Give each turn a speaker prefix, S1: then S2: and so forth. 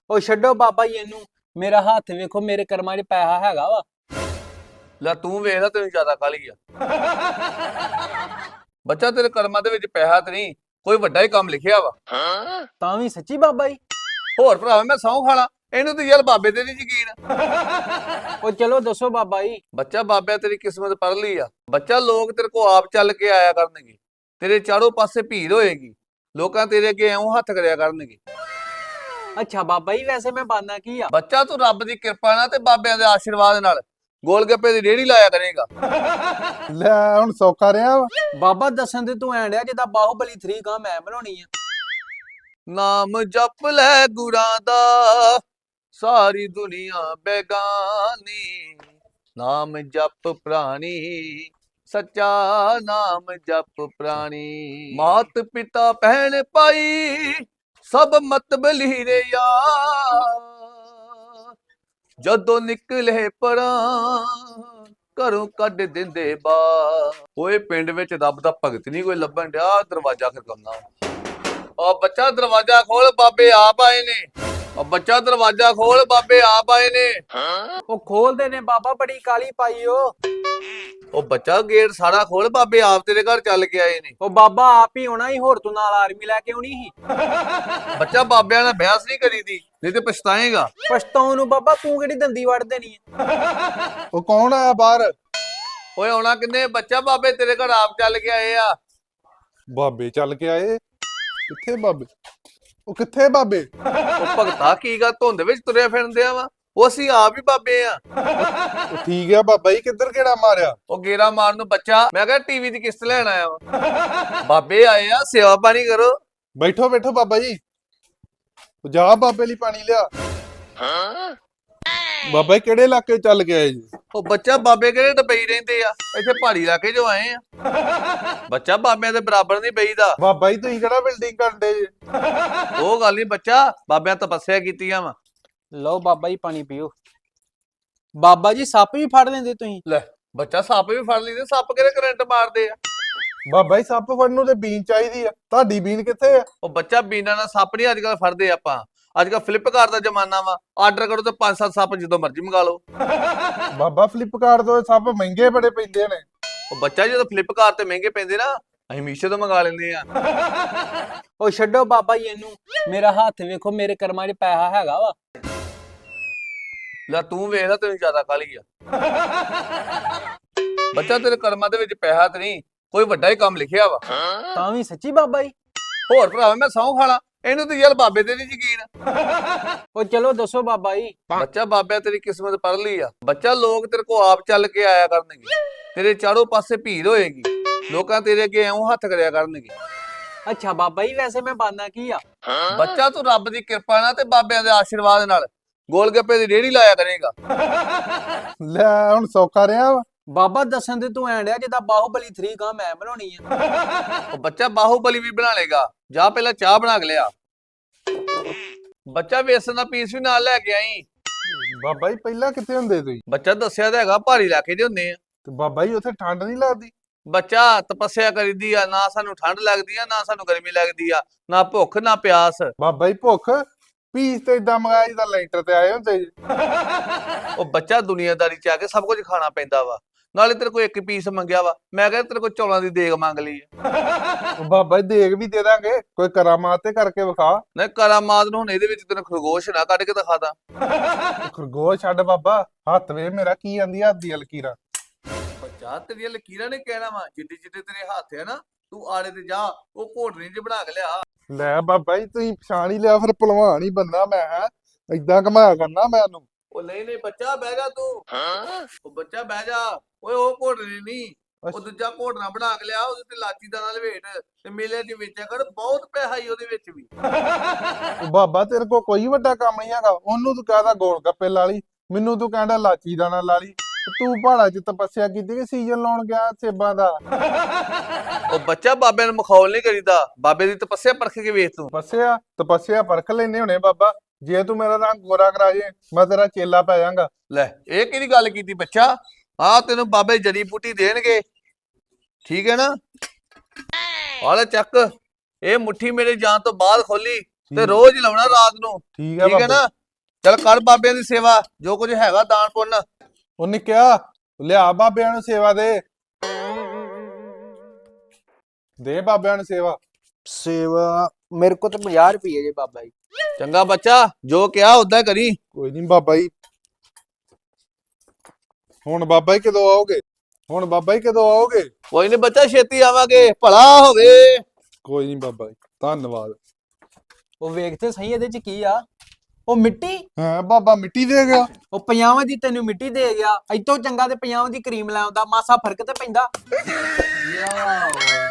S1: ਉਹ ਛੱਡੋ ਬਾਬਾ ਜੀ ਇਹਨੂੰ। ਮੇਰਾ ਹੱਥ ਵੇਖੋ, ਮੇਰੇ ਕਰਮਾਂ 'ਚ ਪੈਸਾ ਹੈਗਾ ਵਾ।
S2: ਲੈ ਤੂੰ ਵੇਖਦਾ ਤੈਨੂੰ ਜ਼ਿਆਦਾ ਕਾਹਲੀ ਆ। ਬੱਚਾ ਤੇਰੇ ਕਰਮਾਂ ਦੇ ਵਿੱਚ ਪੈਸਾ ਤੇ ਨਹੀਂ, ਕੋਈ ਵੱਡਾ ਹੀ ਕੰਮ ਲਿਖਿਆ ਵਾ।
S1: ਤਾਂ ਵੀ ਸੱਚੀ ਬਾਬਾ ਜੀ?
S2: ਹੋਰ ਭਰਾਵਾ ਮੈਂ ਸਹੁੰ ਖਾਣਾ, ਇਹਨੂੰ ਤੇ ਯਾਰ ਬਾਬੇ ਤੇ ਨਹੀਂ ਯਕੀਨ।
S1: ਉਹ ਚਲੋ ਦੱਸੋ ਬਾਬਾ ਜੀ।
S2: ਬੱਚਾ ਬਾਬਿਆਂ ਤੇਰੀ ਕਿਸਮਤ ਪੜ ਲਈ ਆ। ਬੱਚਾ ਲੋਕ ਤੇਰੇ ਕੋ ਆਪ ਚੱਲ ਕੇ ਆਇਆ ਕਰਨਗੇ, ਤੇਰੇ ਚਾਰੋਂ ਪਾਸੇ ਭੀੜ ਹੋਏਗੀ, ਲੋਕਾਂ ਤੇਰੇ ਅੱਗੇ ਐਉਂ ਹੱਥ ਕਰਿਆ ਕਰਨਗੇ।
S1: ਅੱਛਾ ਬਾਬਾ ਜੀ, ਵੈਸੇ ਮੈਂ ਬਾਨਾ ਕੀ ਆ?
S2: ਬੱਚਾ ਤੂੰ ਰੱਬ ਦੀ ਕਿਰਪਾ ਨਾਲ ਤੇ ਬਾਬਿਆਂ ਦੇ ਆਸ਼ੀਰਵਾਦ ਨਾਲ ਗੋਲ ਗੱਪੇ ਦੀ ਰੇਹੜੀ ਲਾਇਆ ਕਰੇਗਾ।
S3: ਲੈ ਹੁਣ ਸੌਖਾ ਰਿਹਾ ਵਾ।
S1: ਬਾਬਾ ਦੱਸਣ ਤੇ ਤੂੰ ਐਂ ਡਿਆ ਜਿੱਦਾਂ ਬਾਹੂਬਲੀ 3 ਗਾਂ ਮੈਂ ਬਣਾਉਣੀ ਆ।
S2: ਨਾਮ ਜਪ ਲੈ ਗੁਰਾਂ ਦਾ, ਸਾਰੀ ਦੁਨੀਆ ਬੇਗਾਨੀ। ਨਾਮ ਜਪ ਪ੍ਰਾਣੀ, ਸੱਚਾ ਨਾਮ ਜਪ ਪ੍ਰਾਣੀ। ਮਾਤ ਪਿਤਾ ਭੈਣ ਭਾਈ, ਸਭ ਮਤਬਲੀ ਰੇ ਯਾਰ। ਜਦੋਂ ਨਿਕਲੇ ਪਰਾਂ, ਘਰੋਂ ਕੱਢ ਦਿੰਦੇ ਬਾਹਰ। ਓਏ ਪਿੰਡ ਵਿੱਚ ਰੱਬ ਦਾ ਭਗਤ ਨਹੀਂ ਕੋਈ ਲੱਭਣ ਡਿਆ, ਦਰਵਾਜ਼ਾ ਖੜਕਾਉਣਾ। ਉਹ ਬੱਚਾ ਦਰਵਾਜ਼ਾ ਖੋਲ, ਬਾਬੇ ਆਪ ਆਏ ਨੇ। ਉਹ ਬੱਚਾ ਦਰਵਾਜ਼ਾ ਖੋਲ, ਬਾਬੇ ਆਪ ਆਏ ਨੇ।
S1: ਉਹ ਖੋਲਦੇ ਨੇ ਬਾਬਾ, ਬੜੀ ਕਾਲੀ ਪਾਈ ਓ।
S2: ਉਹ ਬੱਚਾ ਗੇਟ ਸਾਰਾ ਖੋਲ, ਬਾਬੇ ਆਪ ਤੇਰੇ ਘਰ ਚੱਲ ਕੇ ਆਏ ਨੇ।
S1: ਉਹ ਬਾਬਾ ਆਪ ਹੀ ਹੋਣਾ ਹੀ, ਹੋਰ ਤੂੰ ਨਾਲ ਆਰਮੀ ਲੈ ਕੇ ਆਉਣੀ ਸੀ।
S2: ਬੱਚਾ ਬਾਬਿਆਂ ਨਾਲ ਬਹਿਸ ਨਹੀਂ ਕਰੀਦੀ, ਨਹੀਂ ਤੇ ਪਛਤਾਏਗਾ।
S1: ਪਛਤਾਉਣ ਨੂੰ ਬਾਬਾ, ਤੂੰ ਕਿਹੜੀ ਦੰਦੀ ਵੜ ਦੇਣੀ ਆ?
S3: ਉਹ ਕੌਣ ਆਇਆ ਬਾਹਰ?
S2: ਓਏ ਆਉਣਾ ਕਿੰਨੇ, ਬੱਚਾ ਬਾਬੇ ਤੇਰੇ ਘਰ ਆਪ ਚੱਲ ਕੇ ਆਏ ਆ।
S3: ਬਾਬੇ ਚੱਲ ਕੇ ਆਏ? ਕਿੱਥੇ ਬਾਬੇ? ਉਹ ਕਿੱਥੇ ਬਾਬੇ?
S2: ਉਹ ਭਗਤਾ ਕੀ ਗੱਲ ਧੁੰਦ ਵਿੱਚ ਤੁਰਿਆ ਫਿਰਦੇ ਆ ਵਾ? ਉਹ ਅਸੀਂ ਆਪ ਹੀ ਬਾਬੇ ਆ।
S3: ਉਹ ਠੀਕ ਆ ਬਾਬਾ ਜੀ, ਕਿੱਧਰ ਕਿਹੜਾ ਮਾਰਿਆ?
S2: ਉਹ ਗੇਰਾ ਮਾਰਨ ਨੂੰ ਬੱਚਾ, ਮੈਂ ਕਿਹਾ ਟੀਵੀ ਦੀ ਕਿਸ਼ਤ ਲੈਣ ਆਇਆ ਵਾ। ਬਾਬੇ ਆਏ ਆ, ਸੇਵਾ ਪਾਣੀ ਕਰੋ।
S3: ਬੈਠੋ ਬੈਠੋ ਬਾਬਾ ਜੀ। ਉਹ ਜਾ ਬਾਬੇ ਲਈ ਪਾਣੀ ਲਿਆ। ਬਾਬਾ ਜੀ ਕਿਹੜੇ ਇਲਾਕੇ ਚੱਲ ਕੇ ਆਏ ਜੀ?
S2: ਉਹ ਬੱਚਾ ਬਾਬੇ ਕਿਹੜੇ ਡਬਈ ਰਹਿੰਦੇ ਆ, ਇੱਥੇ ਪਹਾੜੀ ਇਲਾਕੇ ਜੋ ਆਏ ਆ। ਬੱਚਾ ਬਾਬਿਆਂ ਦੇ ਬਰਾਬਰ ਨਹੀਂ ਬਈਦਾ।
S3: ਬਾਬਾ ਜੀ ਤੁਸੀਂ ਕਿਹੜਾ ਬਿਲਡਿੰਗ ਕਰਦੇ ਜੀ?
S2: ਉਹ ਗੱਲ ਨਹੀਂ ਬੱਚਾ, ਬਾਬਿਆਂ ਤਪੱਸਿਆ ਕੀਤੀਆਂ ਵਾ।
S1: ਲਓ ਬਾਬਾ ਜੀ ਪਾਣੀ ਪੀਓ। ਬਾਬਾ ਜੀ ਸੱਪ ਵੀ ਫੜ ਲੈਂਦੇ ਤੁਸੀਂ?
S2: ਲੈ ਬੱਚਾ ਸੱਪ ਵੀ ਫੜ ਲਈਦੇ, ਸੱਪ ਕਿਹੜੇ ਕਰੰਟ ਮਾਰਦੇ ਆ।
S3: ਬਾਬਾ ਜੀ ਸੱਪ ਫੜਨ ਨੂੰ ਤੇ ਬੀਨ ਚਾਹੀਦੀ ਆ, ਤੁਹਾਡੀ ਬੀਨ ਕਿੱਥੇ ਆ?
S2: ਉਹ ਬੱਚਾ ਬੀਨਾ ਨਾਲ ਸੱਪ ਨਹੀਂ ਅੱਜ ਕੱਲ ਫੜਦੇ ਆਪਾਂ। ਅੱਜ ਕੱਲ ਫਲਿੱਪਕਾਰਟ ਦਾ ਜ਼ਮਾਨਾ ਵਾ, ਆਰਡਰ ਕਰੋ ਤੇ 5-7 ਸੱਪ ਜਦੋਂ ਮਰਜ਼ੀ ਮੰਗਾ ਲਓ।
S3: ਬਾਬਾ ਫਲਿੱਪਕਾਰਟ ਤੋਂ ਸੱਪ ਮਹਿੰਗੇ ਬੜੇ ਪੈਂਦੇ ਨੇ।
S2: ਉਹ ਬੱਚਾ ਜਦੋਂ ਫਲਿੱਪਕਾਰਟ ਤੇ ਮਹਿੰਗੇ ਪੈਂਦੇ ਨਾ, ਅਸੀਂ ਮੀਸ਼ੋ ਤੋਂ ਮੰਗਾ ਲੈਂਦੇ ਆ।
S1: ਉਹ ਛੱਡੋ ਬਾਬਾ ਜੀ ਇਹਨੂੰ। ਮੇਰਾ ਹੱਥ ਵੇਖੋ, ਮੇਰੇ ਕਰਮਾਂ 'ਚ ਪੈਸਾ ਹੈਗਾ ਵਾ।
S2: ਲੈ ਤੂੰ ਵੇਖਦਾ ਤੈਨੂੰ ਜ਼ਿਆਦਾ ਕਾਹਲੀ ਆ। ਬੱਚਾ ਤੇਰੇ ਕਰਮਾਂ ਦੇ ਵਿੱਚ ਪੈਸਾ ਤੇ ਨਹੀਂ, ਕੋਈ ਵੱਡਾ ਹੀ ਕੰਮ ਲਿਖਿਆ ਵਾ।
S1: ਤਾਂ ਵੀ ਸੱਚੀ ਬਾਬਾ ਜੀ?
S2: ਹੋਰ ਭਰਾਵਾ ਮੈਂ ਸਹੁੰ ਖਾਣਾ, ਇਹਨੂੰ ਤੇ ਯਾਰ ਬਾਬੇ ਤੇ ਨਹੀਂ ਯਕੀਨ।
S1: ਉਹ ਚਲੋ ਦੱਸੋ ਬਾਬਾ ਜੀ।
S2: ਬੱਚਾ ਬਾਬਿਆਂ ਤੇਰੀ ਕਿਸਮਤ ਪੜ ਲਈ ਆ। ਬੱਚਾ ਲੋਕ ਤੇਰੇ ਕੋ ਆਪ ਚੱਲ ਕੇ ਆਇਆ ਕਰਨਗੇ, ਤੇਰੇ ਚਾਰੋਂ ਪਾਸੇ ਭੀੜ ਹੋਏਗੀ, ਲੋਕਾਂ ਤੇਰੇ ਅੱਗੇ ਐਉਂ ਹੱਥ ਕਰਿਆ ਕਰਨਗੇ।
S1: ਅੱਛਾ ਬਾਬਾ ਜੀ, ਵੈਸੇ ਮੈਂ ਬਾਨਾ ਕੀ ਆ?
S2: ਬੱਚਾ ਤੂੰ ਰੱਬ ਦੀ ਕਿਰਪਾ ਨਾਲ ਤੇ ਬਾਬਿਆਂ ਦੇ ਆਸ਼ੀਰਵਾਦ ਨਾਲ ਗੋਲ ਗੱਪੇ ਦੀ ਰੇਹੜੀ ਲਾਇਆ ਕਰੇਗਾ।
S3: ਲੈ ਹੁਣ ਸੌਖਾ ਰਿਹਾ ਵਾ।
S1: ਬਾਬਾ ਦੱਸਣ ਤੇ ਤੂੰ ਐਂ ਡਿਆ ਜਿੱਦਾਂ ਬਾਹੂਬਲੀ 3 ਗਾਂ ਮੈਂ ਬਣਾਉਣੀ ਆ।
S2: ਉਹ ਬੱਚਾ ਬਾਹੂਬਲੀ ਵੀ ਬਣਾ ਲੇਗਾ, ਜਾ ਪਹਿਲਾਂ ਚਾਹ ਬਣਾ ਕੇ ਲਿਆ। ਬੱਚਾ ਵੇਸਣ ਦਾ ਪੀਸ ਵੀ ਨਾਲ ਲੈ ਕੇ ਆਈ।
S3: ਬਾਬਾ ਜੀ ਪਹਿਲਾਂ ਕਿੱਥੇ ਹੁੰਦੇ ਤੁਸੀਂ?
S2: ਬੱਚਾ ਦੱਸਿਆ ਤਾਂ ਹੈਗਾ ਪਹਾੜੀ ਇਲਾਕੇ ਦੇ ਹੁੰਦੇ ਆ।
S3: ਤੇ ਬਾਬਾ ਜੀ ਉੱਥੇ ਠੰਡ ਨਹੀਂ ਲੱਗਦੀ?
S2: ਬੱਚਾ ਤਪੱਸਿਆ ਕਰੀਦੀ ਆ, ਨਾ ਸਾਨੂੰ ਠੰਡ ਲੱਗਦੀ ਆ, ਨਾ ਸਾਨੂੰ ਗਰਮੀ ਲੱਗਦੀ ਆ, ਨਾ ਭੁੱਖ ਨਾ ਪਿਆਸ।
S3: ਬਾਬਾ ਜੀ ਭੁੱਖ ਪੀਸ ਤੇ ਇਦਾਂ ਮੰਗਾਇਆ ਜਿੱਦਾਂ ਲੈਂਟਰ ਤੇ ਆਏ ਹੁੰਦੇ ਜੀ।
S2: ਉਹ ਬੱਚਾ ਦੁਨੀਆਦਾਰੀ ਚ ਆ ਕੇ ਸਭ ਕੁਝ ਖਾਣਾ ਪੈਂਦਾ ਵਾ। ਨਾਲੇ ਤੇਰੇ ਕੋਲ ਇੱਕ ਪੀਸ ਮੰਗਿਆ ਵਾ, ਮੈਂ ਕਿਹਾ ਤੇਰੇ ਕੋਲ ਚੌਲਾਂ ਦੀ ਦੇਗ ਮੰਗ ਲਈ ਆ।
S3: ਉਹ ਬਾਬਾ ਜੀ ਦੇਗ ਵੀ ਦੇ ਦਾਂਗੇ, ਕੋਈ ਕਰਾਮਾਤ ਤੇ ਕਰਕੇ ਵਿਖਾ।
S2: ਨਹੀਂ ਕਰਾਮਾਤ ਨੂੰ ਹੁਣ ਇਹਦੇ ਵਿੱਚ ਤੈਨੂੰ ਖਰਗੋਸ਼ ਨਾ ਕੱਢ ਕੇ ਦਿਖਾ ਦਾਂ।
S3: ਖਰਗੋਸ਼ ਛੱਡ ਬਾਬਾ, ਹੱਥ ਵੇ ਮੇਰਾ ਕੀ ਆਂਦੀ ਹੱਥ ਦੀ ਲਕੀਰਾਂ।
S2: ਬੱਚਾ ਤੇਰੀਆਂ ਲਕੀਰਾਂ ਨੇ ਕਹਿਣਾ ਵਾ, ਜਿੱਡੇ ਜਿੱਡੇ ਤੇਰੇ ਹੱਥ ਆ ਨਾ, ਤੂੰ ਆੜੇ ਤੇ ਜਾ, ਉਹ ਘੋਟਣੀ ਚ ਬਣਾ ਕੇ ਲਿਆ।
S3: ਲੈ ਬਾਬਾ ਜੀ ਤੁਸੀਂ ਪਛਾਣ ਹੀ ਲਿਆ, ਫਿਰ ਭਲਵਾਨ ਹੀ ਬੰਦਾ ਮੈਂ ਹੈ, ਏਦਾਂ ਘਮਾਇਆ ਕਰਨਾ ਮੈਨੂੰ।
S2: ਉਹ ਨਹੀਂ ਬੱਚਾ ਬਹਿ ਜਾ ਤੂੰ। ਉਹ ਬੱਚਾ ਬਹਿ ਜਾ। ਓਏ ਉਹ ਘੋਟਣੀ ਨਹੀਂ, ਉਹ ਦੂਜਾ ਘੋਟਣਾ ਬਣਾ ਕੇ ਲਿਆ, ਉਹਦੇ ਤੇ ਲਾਚੀ ਦਾਣਾ ਲਵੇਟ ਤੇ ਮੇਲੇ ਚ ਵੇਚਿਆ ਕਰ, ਬਹੁਤ ਪੈਸਾ ਹੀ ਉਹਦੇ ਵਿੱਚ ਵੀ।
S3: ਉਹ ਬਾਬਾ ਤੇਰੇ ਕੋਲ ਕੋਈ ਵੱਡਾ ਕੰਮ ਨਹੀਂ ਹੈਗਾ, ਉਹਨੂੰ ਤੂੰ ਕਹਦਾ ਗੋਲ ਗੱਪੇ ਲਾ ਲਈ, ਮੈਨੂੰ ਤੂੰ ਕਹਿੰਦਾ ਲਾਚੀ ਦਾਣਾ ਲਾ ਲਈ। ਤੂੰ ਪਹਾੜਾਂ 'ਚ ਤਪੱਸਿਆ ਕੀਤੀ ਕਿ ਸੀਜ਼ਨ ਲਾਉਣ ਗਿਆ ਸੇਬਾਂ ਦਾ?
S2: ਉਹ ਬੱਚਾ ਬਾਬੇ ਨੂੰ ਮਖੌਲ ਨਹੀਂ ਕਰੀਦਾ, ਬਾਬੇ ਦੀ ਤਪੱਸਿਆ ਪਰਖ ਕੇ ਵੇਖ ਤੂੰ।
S3: ਤਪੱਸਿਆ ਪਰਖ ਲੈਨੇ ਹੋਣੇ ਬਾਬਾ, ਜੇ ਤੂੰ ਮੇਰਾ ਰੰਗ ਗੋਰਾ ਕਰਾ ਜੇ ਮੈਂ ਤੇਰਾ ਚੇਲਾ ਪੈ ਜਾਵਾਂਗਾ।
S2: ਲੈ ਇਹ ਕਿਹੜੀ ਗੱਲ ਕੀਤੀ ਬੱਚਾ? ਆ ਤੈਨੂੰ ਬਾਬੇ ਜੜੀ ਬੂਟੀ ਦੇਣਗੇ, ਠੀਕ ਹੈ ਨਾ? ਆ ਲੈ ਚੱਕ, ਇਹ ਮੁੱਠੀ ਮੇਰੇ ਜਾਣ ਤੋਂ ਬਾਅਦ ਖੋਲੀ ਤੇ ਰੋਜ਼ ਲਾਉਣਾ ਰਾਤ ਨੂੰ,
S3: ਠੀਕ
S2: ਹੈ ਨਾ? ਚੱਲ ਕਰ ਬਾਬਿਆਂ ਦੀ ਸੇਵਾ, ਜੋ ਕੁਝ ਹੈਗਾ ਦਾਨ ਪੁੰਨ।
S3: ਉਹਨੇ ਕਿਹਾ ਲਿਆ ਬਾਬਿਆਂ ਨੂੰ ਸੇਵਾ ਦੇ ਬਾਬਿਆਂ ਨੂੰ ਸੇਵਾ।
S1: ਸੇਵਾ ਮੇਰੇ ਕੋਲ ਤਾਂ 50 ਰੁਪਏ ਜੇ ਬਾਬਾ ਜੀ।
S2: ਚੰਗਾ ਬੱਚਾ, ਜੋ ਕਿਹਾ ਉਦਾਂ ਕਰੀ।
S3: ਕੋਈ ਨਹੀਂ ਬਾਬਾ ਜੀ। ਹੁਣ ਬਾਬਾ ਜੀ ਕਦੋਂ ਆਓਗੇ?
S2: ਕੋਈ ਨਹੀਂ ਬੱਚਾ, ਛੇਤੀ ਆਵਾਂਗੇ, ਭਲਾ ਹੋਵੇ।
S3: ਕੋਈ ਨਹੀਂ ਬਾਬਾ ਜੀ, ਧੰਨਵਾਦ।
S1: ਉਹ ਵੇਖਦੇ ਸਹੀ ਇਹਦੇ ਚ ਕੀ ਆ। ਉਹ ਮਿੱਟੀ,
S3: ਹਾਂ ਬਾਬਾ ਮਿੱਟੀ ਦੇ ਗਿਆ।
S1: ਉਹ 50 ਦੀ ਤੈਨੂੰ ਮਿੱਟੀ ਦੇ ਗਿਆ। ਇਤੋਂ ਚੰਗਾ ਤੇ 50 ਦੀ ਕਰੀਮ ਲੈ ਆਉਂਦਾ, ਮਾਸਾ ਫਰਕ ਤੇ ਪੈਂਦਾ।